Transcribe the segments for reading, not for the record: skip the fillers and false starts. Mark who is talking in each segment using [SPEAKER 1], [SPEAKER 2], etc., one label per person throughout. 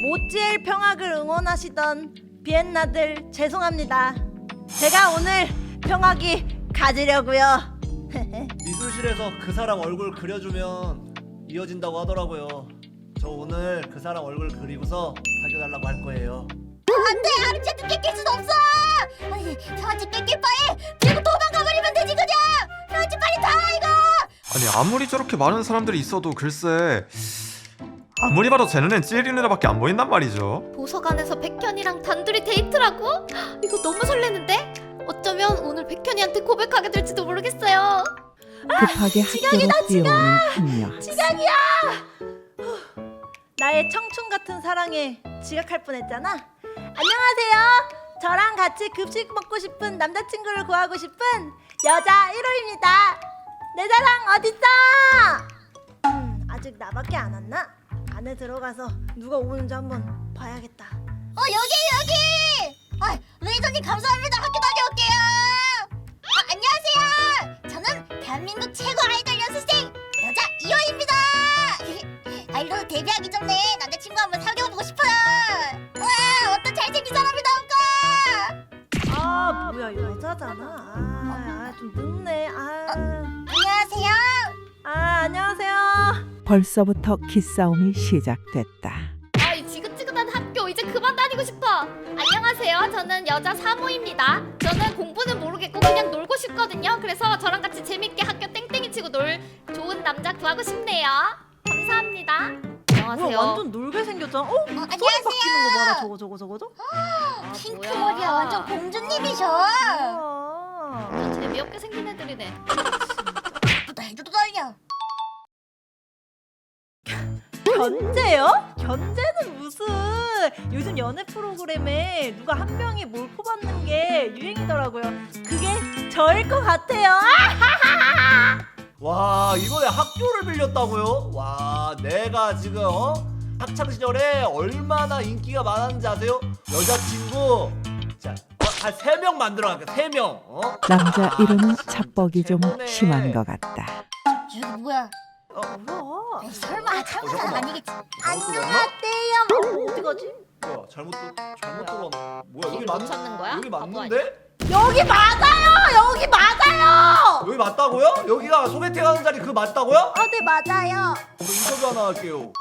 [SPEAKER 1] 오찌엘 평학을 응원하시던 비엔나들 죄송합니다. 제가 오늘 평학이 가지려고요.
[SPEAKER 2] 미술실에서 그 사람 얼굴 그려주면 이어진다고 하더라고요. 저 오늘 그 사람 얼굴 그리고서 사귀어달라고 할 거예요.
[SPEAKER 3] 안돼, 아르체트 뺏길 순 없어. 아니, 저한테 뺏길 바에 들고 도망가버리면 되지 그냥. 저한테 빨리 다 이거.
[SPEAKER 4] 아니 아무리 저렇게 많은 사람들이 있어도 글쎄 아무리 봐도 쟤 눈엔 찌리 누나밖에 안 보인단 말이죠.
[SPEAKER 5] 도서관에서 백현이랑 단둘이 데이트라고? 이거 너무 설레는데? 어쩌면 오늘 백현이한테 고백하게 될지도 모르겠어요.
[SPEAKER 6] 급하게 학교로 뛰어오는 한여.
[SPEAKER 1] 지각이야. 나의 청춘 같은 사랑에 지각할 뻔했잖아. 안녕하세요. 저랑 같이 급식 먹고 싶은 남자친구를 구하고 싶은 여자 1호입니다. 내 사랑 어딨어? 아직 나밖에 안 왔나? 안에 들어가서 누가 오는지 한번 봐야겠다.
[SPEAKER 3] 여기. 아, 레이더님 감사합니다. 학교 다녀올게요. 안녕하세요. 저는 대한민국 최고 아이돌 연습생 여자 2호입니다. 아이돌 데뷔하기 전에 남자친구 한번 사귀어보고 싶어요. 와, 어떤 잘생긴 사람이 나올까?
[SPEAKER 1] 아 뭐야 여자잖아. 좀 늦네.
[SPEAKER 3] 안녕하세요.
[SPEAKER 1] 안녕하세요.
[SPEAKER 6] 벌써부터 기싸움이 시작됐다.
[SPEAKER 5] 아, 이 지긋지긋한 학교 이제 그만 다니고 싶어. 안녕하세요. 저는 여자 3호입니다. 저는 공부는 모르겠고 그냥 놀고 싶거든요. 그래서 저랑 같이 재밌게 학교 땡땡이 치고 놀 좋은 남자 구하고 싶네요. 감사합니다. 안녕하세요.
[SPEAKER 1] 뭐야 완전 놀게 생겼잖아. 소리
[SPEAKER 3] 안녕하세요.
[SPEAKER 1] 바뀌는 거 봐라. 저거.
[SPEAKER 3] 핑크
[SPEAKER 5] 뭐야.
[SPEAKER 3] 머리야, 완전 공주님이셔.
[SPEAKER 1] 아.
[SPEAKER 5] 재미없게 생긴 애들이네.
[SPEAKER 3] 또 해도 떨려.
[SPEAKER 1] 견제요? 견제는 무슨? 요즘 연애 프로그램에 누가 한 명이 몰고 받는 게 유행이더라고요. 그게 저일 것 같아요.
[SPEAKER 2] 와, 이번에 학교를 빌렸다고요? 와, 내가 지금 학창 시절에 얼마나 인기가 많았는지 아세요? 여자친구 자, 한 3명 만들어 갈게. 3명.
[SPEAKER 6] 남자 이름은 착복이 좀 심한 것 같다.
[SPEAKER 3] 저기 뭐야?
[SPEAKER 1] 뭐야?
[SPEAKER 3] 에이, 설마 참는 사람 아니겠지?
[SPEAKER 1] 안녕하세요. 어디 가지?
[SPEAKER 2] 뭐야, 잘못 들어왔나? 뭐야, 여기
[SPEAKER 5] 못
[SPEAKER 2] 맞는
[SPEAKER 5] 찾는 거야?
[SPEAKER 2] 여기
[SPEAKER 5] 바보
[SPEAKER 2] 맞는데?
[SPEAKER 1] 여기 맞아요. 여기 맞아요.
[SPEAKER 2] 여기 맞다고요? 여기가 소개팅 하는 자리 그 맞다고요?
[SPEAKER 1] 네 맞아요.
[SPEAKER 2] 인터뷰 하나 할게요.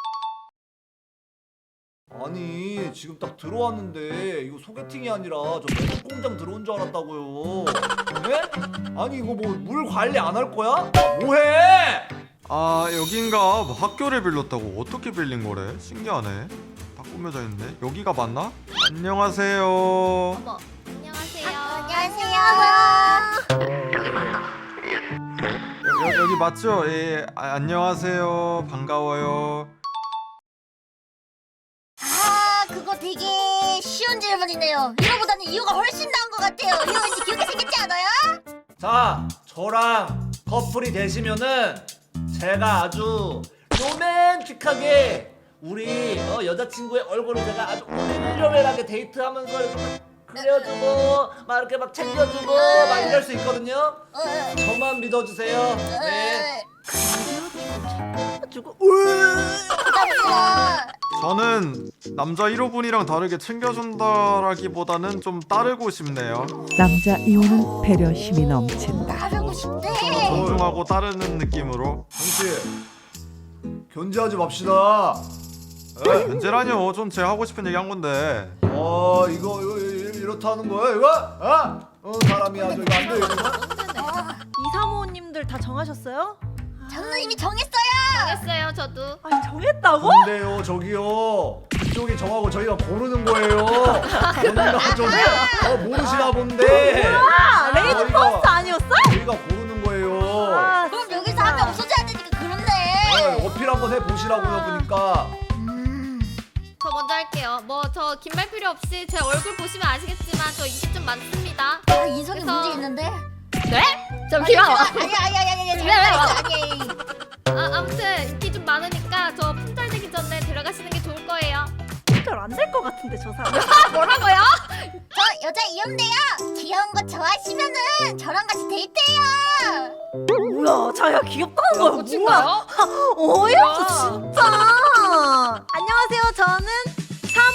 [SPEAKER 2] 아니, 지금 딱 들어왔는데 이거 소개팅이 아니라 저 매듭 공장 들어온 줄 알았다고요. 네? 아니 이거 뭐 물 관리 안 할 거야? 뭐해?
[SPEAKER 4] 아 여긴가 뭐 학교를 빌렸다고. 어떻게 빌린 거래? 신기하네. 다 꾸며져 있네. 여기가 맞나? 안녕하세요.
[SPEAKER 5] 어머, 안녕하세요.
[SPEAKER 3] 안녕하세요.
[SPEAKER 4] 여기 맞죠? 예. 안녕하세요. 반가워요.
[SPEAKER 3] 그거 되게 쉬운 질문이네요. 이거보다는 이유가 훨씬 나은 것 같아요. 이거 왠지 귀엽게 생겼지 않아요?
[SPEAKER 2] 자, 저랑 커플이 되시면은 제가 아주 로맨틱하게 우리 여자친구의 얼굴을 제가 아주 오밀조밀하게 데이트하면서 이렇게 그려주고 막 이렇게 막 챙겨주고 막 이럴 수 있거든요. 저만 믿어주세요. 네.
[SPEAKER 1] 주고
[SPEAKER 3] 감사합니다.
[SPEAKER 4] 저는 남자 1호분이랑 다르게 챙겨준다라기보다는 좀 따르고 싶네요.
[SPEAKER 6] 남자 이호는 배려심이 넘친다.
[SPEAKER 3] 하고 싶대.
[SPEAKER 4] 존중하고 따르는 느낌으로.
[SPEAKER 2] 당신 견제하지 맙시다.
[SPEAKER 4] 견제라뇨. 좀 제 하고 싶은 얘기 한 건데.
[SPEAKER 2] 이거 이렇다는 거야 이거? 사람이 아주 이거 안 돼. 이거.
[SPEAKER 1] 이사모님들 다 정하셨어요?
[SPEAKER 3] 저는 이미 정했어요.
[SPEAKER 5] 알겠어요, 저도.
[SPEAKER 1] 정했다고?
[SPEAKER 2] 근데요 저기요 그쪽이 정하고 저희가 고르는 거예요. 뭔가 좀 모르시나 본데.
[SPEAKER 1] 레이드
[SPEAKER 2] 저희가-
[SPEAKER 1] 퍼스트 아니었어?
[SPEAKER 2] 저희가 고르는 거예요.
[SPEAKER 3] 그럼 여기서 한 명 없어져야 되니까 그렇네.
[SPEAKER 2] 어필 한번 해보시라고요 보니까.
[SPEAKER 5] 저 먼저 할게요. 뭐 저 긴 말 필요 없이 제 얼굴 보시면 아시겠지만 저 인기 좀 많습니다.
[SPEAKER 3] 인성이
[SPEAKER 5] 그래서-
[SPEAKER 3] 문제 있는데.
[SPEAKER 5] 네? 잠시만.
[SPEAKER 3] 아니.
[SPEAKER 5] 아무튼 인기 좀 많으니까 저 품절되기 전에 데려가시는 게 좋을 거예요.
[SPEAKER 1] 잘 안 될 것 같은데 저 사람.
[SPEAKER 5] 뭐라고요?
[SPEAKER 3] 저 여자 이혼데요. 귀여운 거 좋아하시면은 저랑 같이 데이트해요.
[SPEAKER 1] 뭐야 자기가 귀엽다는 거야.
[SPEAKER 5] 고친가요?
[SPEAKER 1] 어이없어 진짜. 안녕하세요. 저는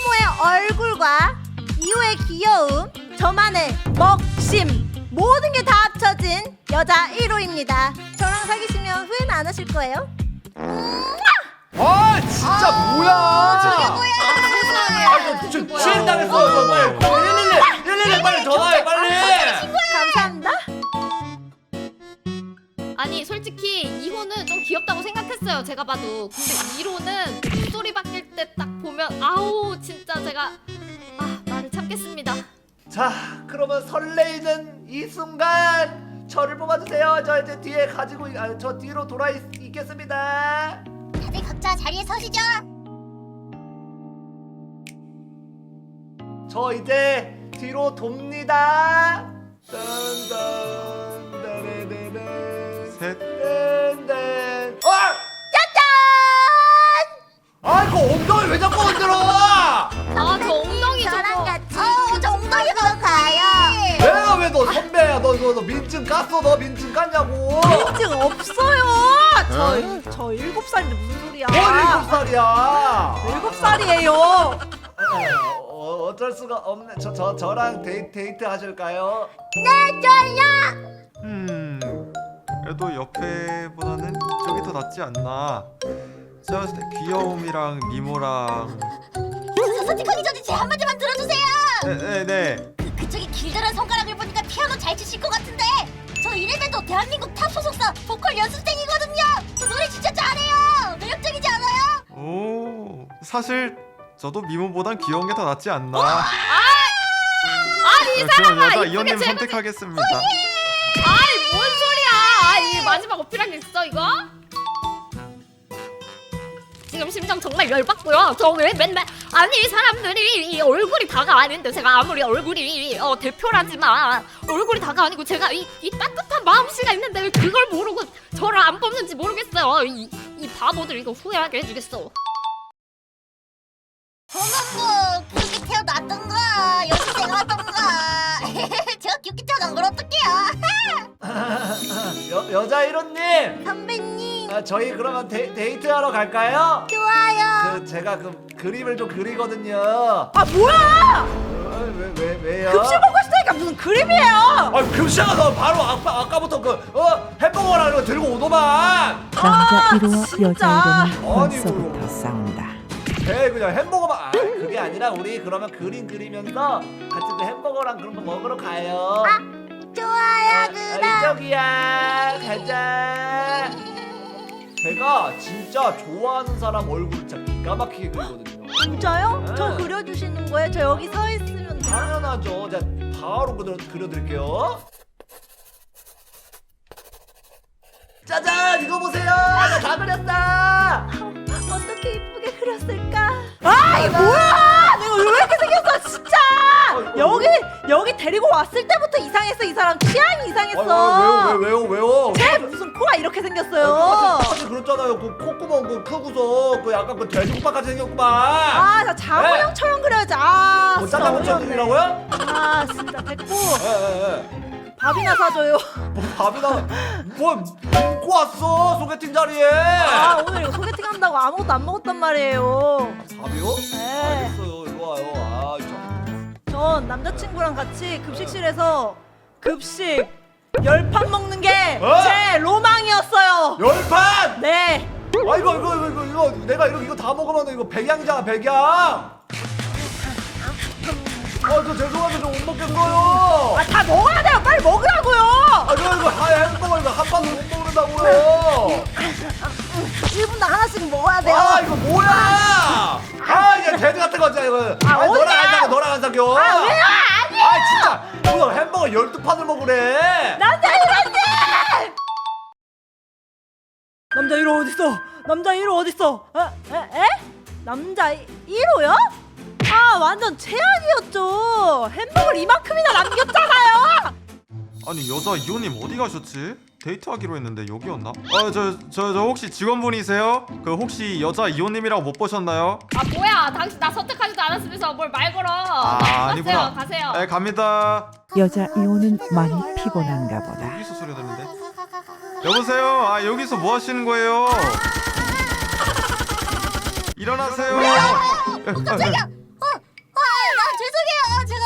[SPEAKER 1] 이호의 귀여움, 저만의 먹심, 모든 게 다 합쳐진 여자 1호입니다. 저랑 사귀시면 후회는 안 하실 거예요.
[SPEAKER 2] 아 진짜 뭐야?
[SPEAKER 3] 저게 뭐야?
[SPEAKER 2] 저 취행당했어. 빨리 111 빨리 전화해 빨리.
[SPEAKER 1] 감사합니다.
[SPEAKER 5] 아니 솔직히 2호는 좀 귀엽다고 생각했어요. 제가 봐도. 근데 1호는 목소리 바뀔 때 딱 보면 아우 진짜 제가 말을 참겠습니다.
[SPEAKER 2] 자 그러면 설레이는 이 순간 저를 뽑아주세요. 저 이제 뒤에 가지고 저 뒤로 돌아 있겠습니다.
[SPEAKER 3] 다들 각자 자리에 서시죠.
[SPEAKER 2] 저 이제 뒤로 돕니다. 딴딴 따레레레
[SPEAKER 4] 셋.
[SPEAKER 2] 딴딴 아 이거 엉덩이 왜 자꾸 흔들어?
[SPEAKER 5] 저 엉덩이
[SPEAKER 1] 저랑
[SPEAKER 5] 저거.
[SPEAKER 1] 같이
[SPEAKER 3] 저 엉덩이 보러 가요.
[SPEAKER 2] 내가 왜 너 선배야? 너 민증 깠어? 너 민증 깠냐고?
[SPEAKER 1] 민증 없어요. 저 7살인데 무슨 소리야?
[SPEAKER 2] 뭘 7살이야?
[SPEAKER 1] 7살이에요.
[SPEAKER 2] 어쩔 수가 없네. 저랑 데이트 하실까요?
[SPEAKER 4] 그래도 옆에보다는 이쪽이 더 낫지 않나. 제가 봤을 때 귀여움이랑 미모랑.
[SPEAKER 3] 저 스티커기 전에 제 한마디만 들어주세요.
[SPEAKER 4] 네네네.
[SPEAKER 3] 그쪽에 길다란 손가락을 보니까 피아노 잘 치실 것 같은데 저 이래봬도 대한민국 탑 소속사 보컬 연습생이거든요. 저 노래 진짜 잘해요. 매력적이지 않아요?
[SPEAKER 4] 오, 사실 저도 미모보단 귀여운 게 더 낫지 않나.
[SPEAKER 5] 아니 이
[SPEAKER 4] 그럼
[SPEAKER 5] 사람아
[SPEAKER 4] 여자
[SPEAKER 5] 이쁘게
[SPEAKER 4] 이호님
[SPEAKER 5] 제일
[SPEAKER 4] 선택하겠습니다.
[SPEAKER 5] 아니 뭔 소리야? 이 마지막 어필한 게 있어 이거? 지금 심정 정말 열받고요. 저 왜 맨날 아니 이 사람들이 이 얼굴이 다가 아닌데 제가 아무리 얼굴이 대표라지만 얼굴이 다가 아니고 제가 이 따뜻한 마음씨가 있는데 왜 그걸 모르고 저를 안 뽑는지 모르겠어요. 이 바보들 이거 후회하게 해주겠어.
[SPEAKER 3] 저는 뭐 그렇게 태어났던가 연습생 하던가 제가 귀엽게 태어난 걸 어떡해요.
[SPEAKER 2] 여자 1호님,
[SPEAKER 1] 선배님
[SPEAKER 2] 저희 그러면 데이트하러 갈까요?
[SPEAKER 1] 좋아요.
[SPEAKER 2] 제가 그림을 좀 그리거든요.
[SPEAKER 1] 아 뭐야?
[SPEAKER 2] 왜요?
[SPEAKER 1] 급식 먹고 싶다니까 무슨 그림이에요?
[SPEAKER 2] 아 급식아 너 바로 아까부터 햄버거랑 이거 들고 오더만.
[SPEAKER 6] 남자 1호와
[SPEAKER 1] 진짜?
[SPEAKER 6] 여자 1호는
[SPEAKER 2] 아니,
[SPEAKER 6] 벌써부터
[SPEAKER 2] 뭐.
[SPEAKER 6] 싸운다.
[SPEAKER 2] 그냥 햄버거만. 그게 아니라 우리 그러면 그림 그리면서 같이 그 햄버거랑 그런 거 먹으러 가요.
[SPEAKER 1] 좋아요 그럼.
[SPEAKER 2] 이쪽이야. 가자. 제가 진짜 좋아하는 사람 얼굴 진짜 기가 막히게 그리거든요.
[SPEAKER 1] 진짜요?
[SPEAKER 2] 네.
[SPEAKER 1] 저 그려주시는 거예요? 저 여기 서 있으면 돼요?
[SPEAKER 2] 당연하죠. 제가 바로 그려드릴게요. 짜잔! 이거 보세요! 나 다 그렸다!
[SPEAKER 1] 어떻게 이쁘게 그렸을까? 아 이게 뭐야? 내가 왜 이렇게 생겼어 진짜! 여기 데리고 왔을 때부터 이상했어. 이 사람 취향이 이상했어.
[SPEAKER 2] 왜요?
[SPEAKER 1] 쟤 무슨 코가 이렇게 생겼어요?
[SPEAKER 2] 똑같이 그렸잖아요. 그 콧구멍 크고서 그 약간 그 돼지국밥같이 생겼구만.
[SPEAKER 1] 아, 나 장호영처럼 그려야지. 아,
[SPEAKER 2] 뭐
[SPEAKER 1] 진짜
[SPEAKER 2] 짜장면
[SPEAKER 1] 어려웠네.
[SPEAKER 2] 그리라고요?
[SPEAKER 1] 아, 진짜 됐고
[SPEAKER 2] 예.
[SPEAKER 1] 밥이나 사줘요.
[SPEAKER 2] 뭐 밥이나 뭐 먹고 왔어 소개팅 자리에.
[SPEAKER 1] 아, 오늘 이거 소개팅 한다고 아무것도 안 먹었단 말이에요.
[SPEAKER 2] 밥이요?
[SPEAKER 1] 네.
[SPEAKER 2] 알겠어요. 이리 와요. 아,
[SPEAKER 1] 전 남자친구랑 같이 급식실에서 급식 10판 먹는 게 제
[SPEAKER 2] 어?
[SPEAKER 1] 로망이었어요.
[SPEAKER 2] 열판!
[SPEAKER 1] 네.
[SPEAKER 2] 아 이거 내가 이거 다 먹으면 이거 백양이잖아 백양. 저 죄송한데 저 못 먹겠어요.
[SPEAKER 1] 아, 다 먹어야 돼요. 빨리 먹으라고요.
[SPEAKER 2] 이거 햄버거 이거 한 판도 못 먹는다고요.
[SPEAKER 1] 1분당 하나씩 먹어야 돼요.
[SPEAKER 2] 아 이거 뭐야? 이게 돼지 같은 거지 이거. 아니, 너랑 안 사겨.
[SPEAKER 1] 아, 왜요? 아니에요.
[SPEAKER 2] 진짜 오늘 햄버거 12판을 먹으래.
[SPEAKER 1] 남자 1호 남자 1호 어딨어? 남자 1호 어딨어? 에? 남자 1호요? 아, 완전 최악이었죠. 햄버거를 이만큼이나 남겼잖아요.
[SPEAKER 4] 아니 여자 2호님 어디 가셨지? 데이트하기로 했는데 여기였나? 저 혹시 직원분이세요? 그 혹시 여자 2호님이라고 못 보셨나요?
[SPEAKER 5] 아 뭐야? 당신 나 선택하지도 않았으면서 뭘 말 걸어?
[SPEAKER 4] 아니구나.
[SPEAKER 5] 가세요.
[SPEAKER 4] 네 갑니다.
[SPEAKER 6] 여자 2호는 많이 피곤한가 보다.
[SPEAKER 4] 여기서 소리 들리는데? 여보세요? 여기서 뭐 하시는 거예요? 일어나세요.
[SPEAKER 3] 깜짝이야. 나 죄송해요. 제가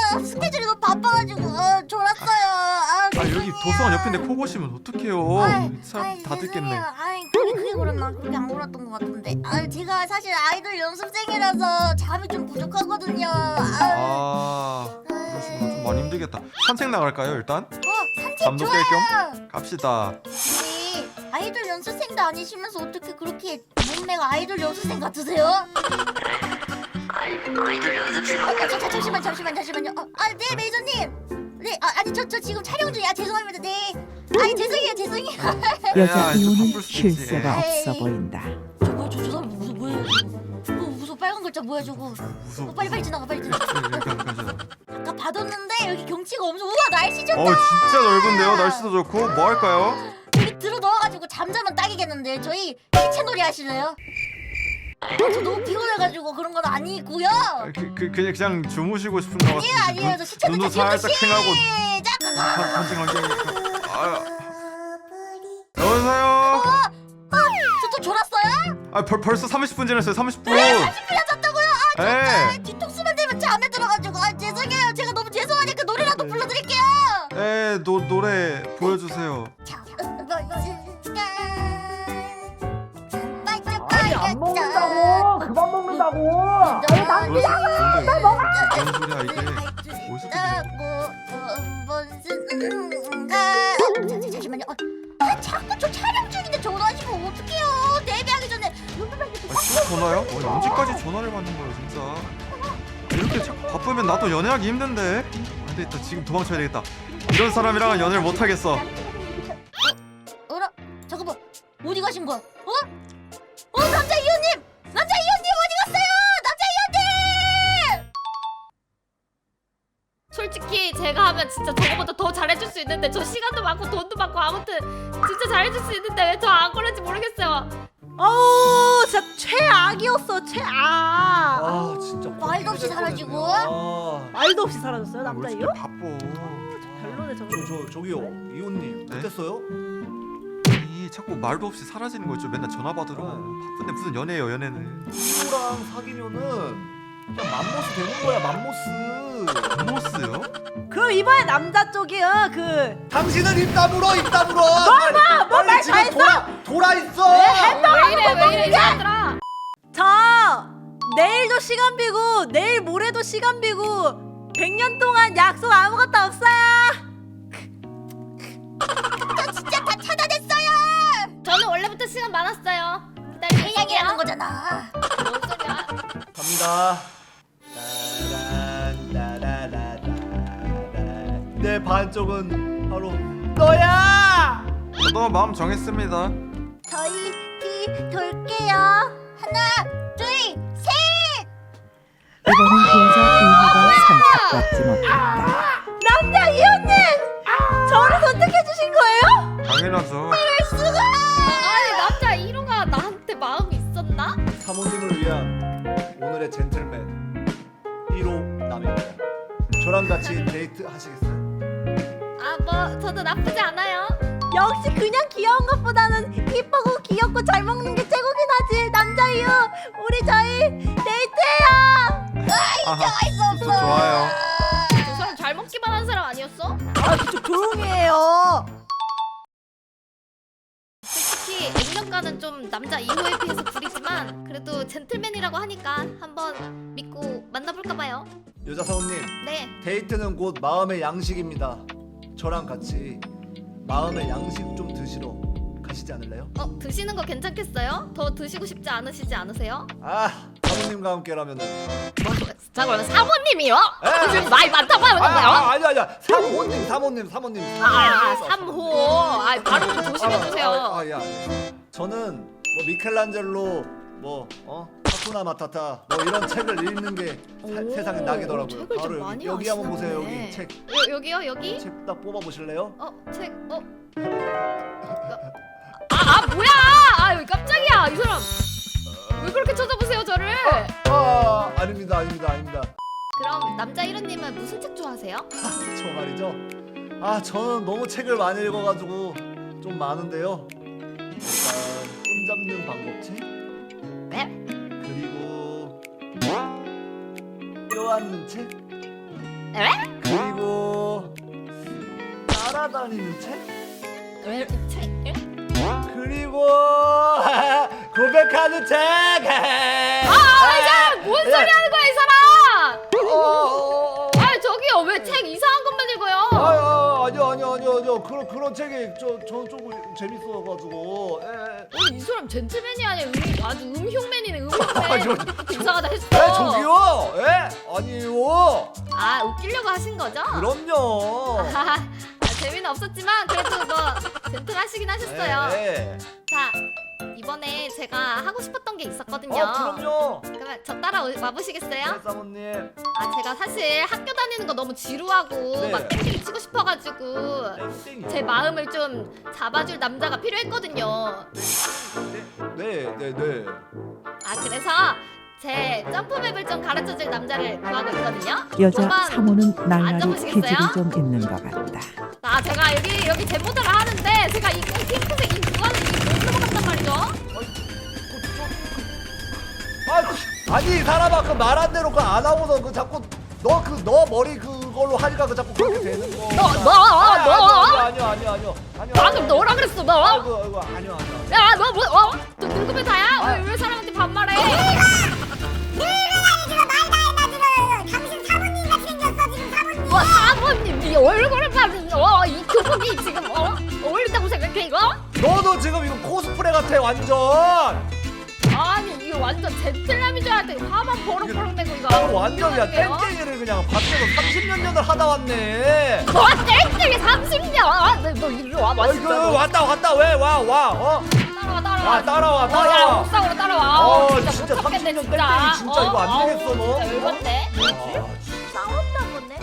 [SPEAKER 4] 도서관 옆인데 코 고시면 어떡해요?
[SPEAKER 3] 아이,
[SPEAKER 4] 사람 다 듣겠네.
[SPEAKER 3] 죄송해요. 아이 그게 그랬나? 그게 안 그랬던 것 같은데. 아 제가 사실 아이돌 연습생이라서 잠이 좀 부족하거든요.
[SPEAKER 4] 그러시구나. 좀 많이 힘들겠다. 산책 나갈까요 일단?
[SPEAKER 3] 산책
[SPEAKER 4] 잠도 깰
[SPEAKER 3] 좋아요.
[SPEAKER 4] 겸 갑시다.
[SPEAKER 3] 근데 아이돌 연습생도 아니시면서 어떻게 그렇게 몸매가 아이돌 연습생 같으세요? 잠시만요. 네 매니저님. 네, 아니 저 지금 촬영 중이야. 죄송합니다. 네. 아니 죄송해요.
[SPEAKER 6] 여자
[SPEAKER 4] 좀
[SPEAKER 6] 이호는
[SPEAKER 4] 바쁠 수도 있지.
[SPEAKER 6] 쉴 새가
[SPEAKER 3] 에이.
[SPEAKER 6] 없어 보인다.
[SPEAKER 3] 저 사람 뭐야 저거? 무서워 빨간 글자 뭐야 저거?
[SPEAKER 4] 무서워.
[SPEAKER 3] 빨리 지나가.
[SPEAKER 4] 가자.
[SPEAKER 3] 아까 봐뒀는데 여기 경치가 엄청 우와 날씨 좋다.
[SPEAKER 4] 진짜 넓은데요. 날씨도 좋고 뭐 할까요?
[SPEAKER 3] 여기 들어 넣어가지고 잠자면 딱이겠는데 저희 시체놀이 하실래요? 저 너무 피곤해가지고 그런 건 아니고요.
[SPEAKER 4] 그냥 주무시고 싶은 거 같은데.
[SPEAKER 3] 아니에요. 저 시체놀이
[SPEAKER 4] 눈도 살짝 팽하고
[SPEAKER 3] 시작.
[SPEAKER 4] 반증하게. 여보세요.
[SPEAKER 3] 저또 졸았어요?
[SPEAKER 4] 벌써 30분 지났어요. 30분.
[SPEAKER 3] 30분 잤다고요?
[SPEAKER 4] 네.
[SPEAKER 3] 뒤통수만 대면 잠에 들어가지고 죄송해요. 제가 너무 죄송하니까 노래라도 불러드릴게요.
[SPEAKER 4] 노래 보여주세요.
[SPEAKER 2] 아니 안 먹는다고. 그만 먹는다고.
[SPEAKER 4] 뭔 소리야 이게? 어디서
[SPEAKER 3] 잠시만요. 자꾸 저 촬영 중인데 전화하시면 어떡해요? 데뷔하기 전에
[SPEAKER 4] 또 전화요? 언제까지 전화를 받는 거야 진짜? 이렇게 자꾸 바쁘면 나도 연애하기 힘든데. 안 되겠다. 지금 도망쳐야 되겠다. 이런 사람이랑은 연애를 못 하겠어.
[SPEAKER 3] 어라? 잠깐만 어디 가신 거야? 남자 이호님! 남자 이호님 어디 갔어요? 남자 이호님!
[SPEAKER 5] 솔직히 제가 하면 진짜 저거보다 더 잘해줄 수 있는데 저 시간도 많고 돈도 많고 아무튼 진짜 잘해줄 수 있는데 왜 저 안 그런지 모르겠어요.
[SPEAKER 1] 어우 진짜 최악이었어 최악.
[SPEAKER 2] 아 진짜
[SPEAKER 3] 말도 없이 사라지고?
[SPEAKER 1] 말도 없이 사라졌어요
[SPEAKER 4] 왜
[SPEAKER 1] 남자
[SPEAKER 4] 이렇게
[SPEAKER 1] 이호?
[SPEAKER 4] 바빠?
[SPEAKER 1] 별로네 저거.
[SPEAKER 2] 저기요 이호님
[SPEAKER 4] 네?
[SPEAKER 2] 어땠어요?
[SPEAKER 4] 자꾸 말도 없이 사라지는 거 있죠. 맨날 전화 받으러. 바쁜데 무슨 연애예요 연애는.
[SPEAKER 2] 이호랑 사귀면은 그냥 맘모스 되는 거야 맘모스.
[SPEAKER 4] 맘모스요?
[SPEAKER 1] 그럼 이번에 남자 쪽이
[SPEAKER 2] 당신은 입 다물어.
[SPEAKER 1] 말
[SPEAKER 2] 지금
[SPEAKER 1] 다 했어?
[SPEAKER 2] 돌아 있어.
[SPEAKER 5] 왜 이래 이 사람들아.
[SPEAKER 1] 저 내일도 시간 비고 내일 모레도 시간 비고 100년 동안 약속 아무것도 없어요.
[SPEAKER 3] 저 진짜 다 차단했어요!
[SPEAKER 5] 저는 원래부터 시간 많았어요. 기다리고
[SPEAKER 3] 이야기하는
[SPEAKER 5] 있을게요.
[SPEAKER 3] 거잖아.
[SPEAKER 5] 뭔 소리야?
[SPEAKER 2] 갑니다. 내 반쪽은 바로 너야.
[SPEAKER 4] 저도 마음 정했습니다.
[SPEAKER 3] 저희 뒤 돌게요. 하나, 둘, 셋!
[SPEAKER 6] 이번엔 그 여자 이호가 선택받지 못했다.
[SPEAKER 1] 남자 이호님 저를 선택해 주신 거예요?
[SPEAKER 4] 당연하죠.
[SPEAKER 5] 아니 남자 1호가 나한테 마음이 있었나?
[SPEAKER 2] 사모님을 위한 오늘의 젠틀맨 1호 남입니다. 저랑 같이 데이트 하시겠어요?
[SPEAKER 5] 아 뭐 저도 나쁘지 않아요.
[SPEAKER 1] 역시 그냥 귀여운 것보다는 이쁘고 귀엽고 잘 먹는 게 최고긴 하지. 남자 이호 우리 저희 데이트해요.
[SPEAKER 4] 아하, 저 좋아요.
[SPEAKER 5] 저 사람 잘 먹기만 한 사람 아니었어?
[SPEAKER 1] 아 그쪽 조용히 해요.
[SPEAKER 5] 솔직히 액면가는 좀 남자 2호에 비해서 구리지만 그래도 젠틀맨이라고 하니까 한번 믿고 만나볼까봐요.
[SPEAKER 2] 여자 사모님,
[SPEAKER 5] 네.
[SPEAKER 2] 데이트는 곧 마음의 양식입니다. 저랑 같이 마음의 양식 좀 드시러 가시지 않을래요?
[SPEAKER 5] 드시는 거 괜찮겠어요? 더 드시고 싶지 않으세요?
[SPEAKER 2] 사모님과 함께라면은.
[SPEAKER 5] 자 그러면 사모님이요?
[SPEAKER 2] 에.
[SPEAKER 5] 지금 나이 많다고 하는 건가요?
[SPEAKER 2] 아니야. 사모님.
[SPEAKER 5] 3호. 발음 좀 조심해주세요.
[SPEAKER 2] 야. 저는 뭐 미켈란젤로 하쿠나 마타타 이런 책을 읽는 게 세상의 낙이더라고요.
[SPEAKER 5] 책을 좀
[SPEAKER 2] 바로
[SPEAKER 5] 많이
[SPEAKER 2] 여기 한번 보세요.
[SPEAKER 5] 아시나
[SPEAKER 2] 여기 책.
[SPEAKER 5] 여기요? 여기?
[SPEAKER 2] 책 딱 뽑아 보실래요?
[SPEAKER 5] 책 뭐야? 여기 깜짝이야 이 사람. 왜 그렇게 쳐다보세요 저를?
[SPEAKER 2] 아닙니다.
[SPEAKER 5] 그럼 남자 1호님은 무슨 책 좋아하세요?
[SPEAKER 2] 저 말이죠. 저는 너무 책을 많이 읽어가지고 좀 많은데요. 일단 손 잡는 방법책.
[SPEAKER 5] 네?
[SPEAKER 2] 그리고 껴안는 책.
[SPEAKER 5] 네?
[SPEAKER 2] 그리고 찾아다니는 책?
[SPEAKER 5] 왜 책?
[SPEAKER 2] 그리고 고백하는 책.
[SPEAKER 5] 이 사람 뭔 소리 하는 거야 이 사람? 아 저기요 왜 책 이상한 것만 읽어요?
[SPEAKER 2] 아니요. 그런 책이 조금 재밌어가지고.
[SPEAKER 5] 이 사람 젠틀맨이 아니야 아주 음흉맨이네
[SPEAKER 2] 아,
[SPEAKER 5] 음흉맨. 이상하다 했어.
[SPEAKER 2] 저기요. 아니요.
[SPEAKER 5] 아 웃기려고 하신 거죠?
[SPEAKER 2] 그럼요.
[SPEAKER 5] 재미는 없었지만 그래도 뭐 젠틀하시긴 하셨어요.
[SPEAKER 2] 네.
[SPEAKER 5] 자 이번에 제가 하고 싶었던 게 있었거든요.
[SPEAKER 2] 그럼요.
[SPEAKER 5] 그러면 저 따라 와보시겠어요?
[SPEAKER 2] 네, 사모님.
[SPEAKER 5] 아 제가 사실 학교 다니는 거 너무 지루하고
[SPEAKER 2] 네.
[SPEAKER 5] 막 땡땡이 치고 싶어가지고
[SPEAKER 2] 땡땡이.
[SPEAKER 5] 제 마음을 좀 잡아줄 남자가 필요했거든요.
[SPEAKER 2] 네.
[SPEAKER 5] 아 그래서 제 점프맵을 좀 가르쳐줄 남자를 구하고 있거든요.
[SPEAKER 6] 여자
[SPEAKER 5] 한번
[SPEAKER 6] 사모는 날라리
[SPEAKER 5] 앉아보시겠어요?
[SPEAKER 6] 기질이 좀 있는 것 같다.
[SPEAKER 5] 아 제가 여기 제 모델을 하는데 제가 이 핑크색 이 구간을 못 들어갔단 말이죠.
[SPEAKER 2] 아니 사람아 그 말한 대로 그 안 하고서 그 자꾸 너 머리 그걸로 하니까 그 자꾸 그렇게 되는 거. 아니요.
[SPEAKER 5] 방금 너라 그랬어 너.
[SPEAKER 2] 아이고 아니요.
[SPEAKER 5] 야너 뭐? 너 늙으면 다야? 왜 사람한테 반말해? 뭐 사모님 네 얼굴을 봐는 이 교복이 지금 어울린다고 생각해 이거?
[SPEAKER 2] 너도 지금 이거 코스프레 같아 완전.
[SPEAKER 5] 아니 이거 완전 젠틀남인 줄 알았더니 화만 버럭버럭 내고 이거
[SPEAKER 2] 완전이야 땡땡이를 그냥 밖에서 30몇 년을 하다 왔네.
[SPEAKER 5] 땡땡이 30년 너 이리로 와
[SPEAKER 2] 아이고
[SPEAKER 5] 맛있다
[SPEAKER 2] 왔다 왜 와?
[SPEAKER 5] 따라와
[SPEAKER 2] 따라와.
[SPEAKER 5] 야 옥상으로 따라와
[SPEAKER 2] 진짜
[SPEAKER 5] 못 참겠네,
[SPEAKER 2] 30년 땡땡이 진짜 이거 안 되겠어 너.
[SPEAKER 5] 진짜 열받네.
[SPEAKER 1] 싸웠나 보네.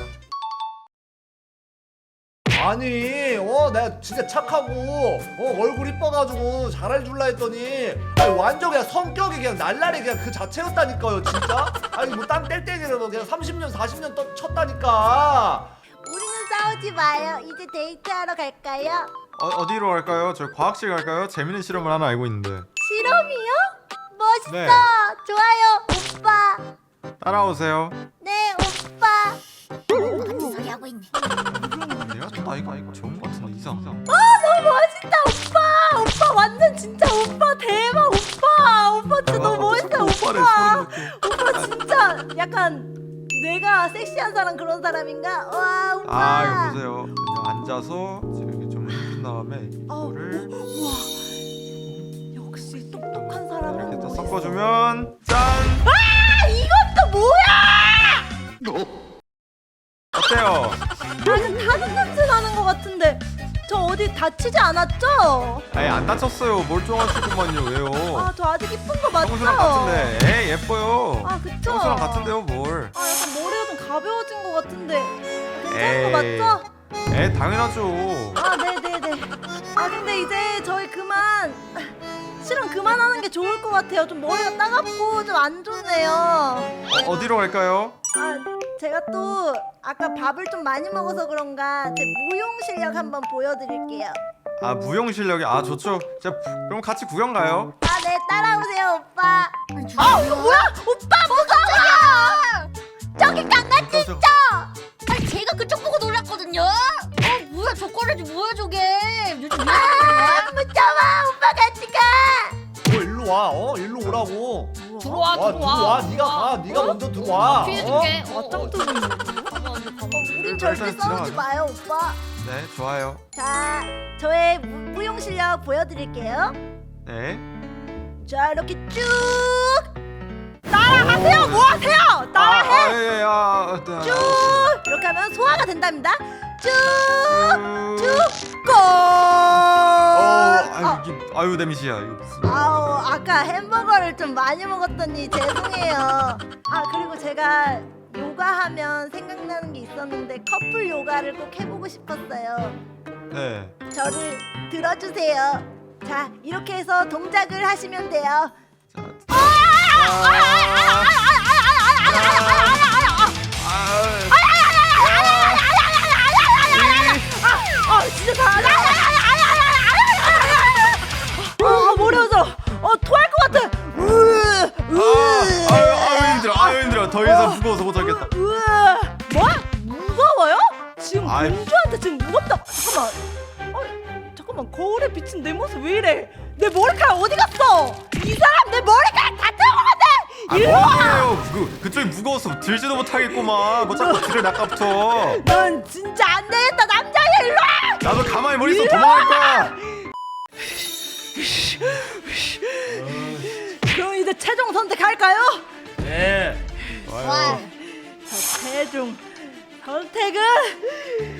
[SPEAKER 2] 아니 내가 진짜 착하고 얼굴 이뻐가지고 잘해줄라 했더니 아니, 완전 그냥 성격이 그냥 날라리 그냥 그 자체였다니까요 진짜. 아니 뭐 딴 뗄땡이라도 그냥 30년 40년 쳤다니까.
[SPEAKER 1] 우리는 싸우지 마요. 이제 데이트하러 갈까요?
[SPEAKER 4] 어디로 갈까요? 저 과학실 갈까요? 재밌는 실험을 하나 알고 있는데.
[SPEAKER 1] 실험이요? 멋있어.
[SPEAKER 4] 네.
[SPEAKER 1] 좋아요, 오빠.
[SPEAKER 4] 따라오세요.
[SPEAKER 1] 네, 오빠.
[SPEAKER 3] 무슨 소리 하고 있네.
[SPEAKER 4] 내가 좀 나이가 좋은 것 같은데 이상.
[SPEAKER 1] 너무 멋있다, 오빠. 오빠 완전 진짜 오빠 대박, 오빠. 오빠 진짜 너무 멋있어,
[SPEAKER 4] 오빠래
[SPEAKER 1] 오빠.
[SPEAKER 4] 소름 돋게.
[SPEAKER 1] 오빠 진짜 약간 내가 섹시한 사람 그런 사람인가? 와, 오빠.
[SPEAKER 4] 이거 보세요. 그냥 앉아서 이렇게 좀 한 다음에 이거를
[SPEAKER 1] 우와. 역시 똑똑한 사람은
[SPEAKER 4] 이렇게 또
[SPEAKER 1] 멋있어.
[SPEAKER 4] 섞어주면 짠.
[SPEAKER 1] 이것도 뭐야?
[SPEAKER 4] 어때요?
[SPEAKER 1] 다른 냄새 나는 것 같은데 저 어디 다치지 않았죠?
[SPEAKER 4] 아예 안 다쳤어요. 멀쩡하시구만요. 왜요?
[SPEAKER 1] 아, 저 아직 이쁜 거 맞죠?
[SPEAKER 4] 평소랑 같은데. 에이 예뻐요.
[SPEAKER 1] 아, 그쵸?
[SPEAKER 4] 평소랑 같은데요 뭘?
[SPEAKER 1] 아, 약간 머리가 좀 가벼워진 것 같은데 괜찮은
[SPEAKER 4] 에이.
[SPEAKER 1] 거 맞죠?
[SPEAKER 4] 에 당연하죠.
[SPEAKER 1] 아, 네네네. 아, 근데 이제 저희 실험 그만하는 게 좋을 것 같아요. 좀 머리가 따갑고 좀 안 좋네요.
[SPEAKER 4] 어디로 갈까요?
[SPEAKER 1] 아, 제가 또 아까 밥을 좀 많이 먹어서 그런가 제 무용 실력 한번 보여드릴게요.
[SPEAKER 4] 아 무용 실력이 좋죠. 자 그럼 같이 구경 가요.
[SPEAKER 1] 아, 네, 따라오세요, 오빠.
[SPEAKER 3] 이거
[SPEAKER 1] 뭐야? 오빠 무서워! 저기 강아지 있죠?
[SPEAKER 3] 아니 제가 그쪽 보고 놀랐거든요. 뭐야 저 꼴레지 뭐야 저게? 요즘
[SPEAKER 1] 아, 무서워! 오빠 같이 가!
[SPEAKER 2] 일로 와. 일로 오라고.
[SPEAKER 5] 들어와
[SPEAKER 2] 네가 먼저 들어와.
[SPEAKER 5] 피해줄게
[SPEAKER 1] 우린 절대
[SPEAKER 4] 일단
[SPEAKER 1] 싸우지
[SPEAKER 4] 지나가자.
[SPEAKER 1] 마요, 오빠.
[SPEAKER 4] 네 좋아요.
[SPEAKER 1] 자, 저의 무용 실력 보여드릴게요.
[SPEAKER 4] 네.
[SPEAKER 1] 자, 이렇게 쭉 따라하세요. 뭐 하세요? 따라해.
[SPEAKER 4] 예.
[SPEAKER 1] 쭉 이렇게 하면 소화가 된답니다. 쭉 골.
[SPEAKER 4] 아유 데미지야 이거 무슨.
[SPEAKER 1] 아우, 아까 햄버거를 좀 많이 먹었더니 죄송해요. 아, 그리고 제가 요가하면 생각나는 게 있었는데 커플 요가를 꼭 해보고 싶었어요.
[SPEAKER 4] 네.
[SPEAKER 1] 저를 들어주세요. 자, 이렇게 해서 동작을 하시면 돼요. 진짜 잘한다. 머리 아파. 토할 것 같아.
[SPEAKER 4] 아유 힘들어. 더 이상 무거워서 못 하겠다.
[SPEAKER 1] 뭐? 무거워요? 지금
[SPEAKER 4] 아이.
[SPEAKER 1] 공주한테 지금 무겁다. 잠깐만 거울에 비친 내 모습 왜 이래? 내 머리카락 어디 갔어? 이 사람 내 머리카락 다 태워갔네.
[SPEAKER 4] 뭐예요? 그쪽이 무거워서 들지도 못하겠구만. 뭐 자꾸 들을 아까부터.
[SPEAKER 1] 넌 진짜 안 되겠다 남자야. 일로 와.
[SPEAKER 4] 나도 가만히 머리 속 도망갈 거야.
[SPEAKER 1] 그럼 이제 최종 선택할까요?
[SPEAKER 2] 네.
[SPEAKER 3] 와.
[SPEAKER 1] 자 최종 선택은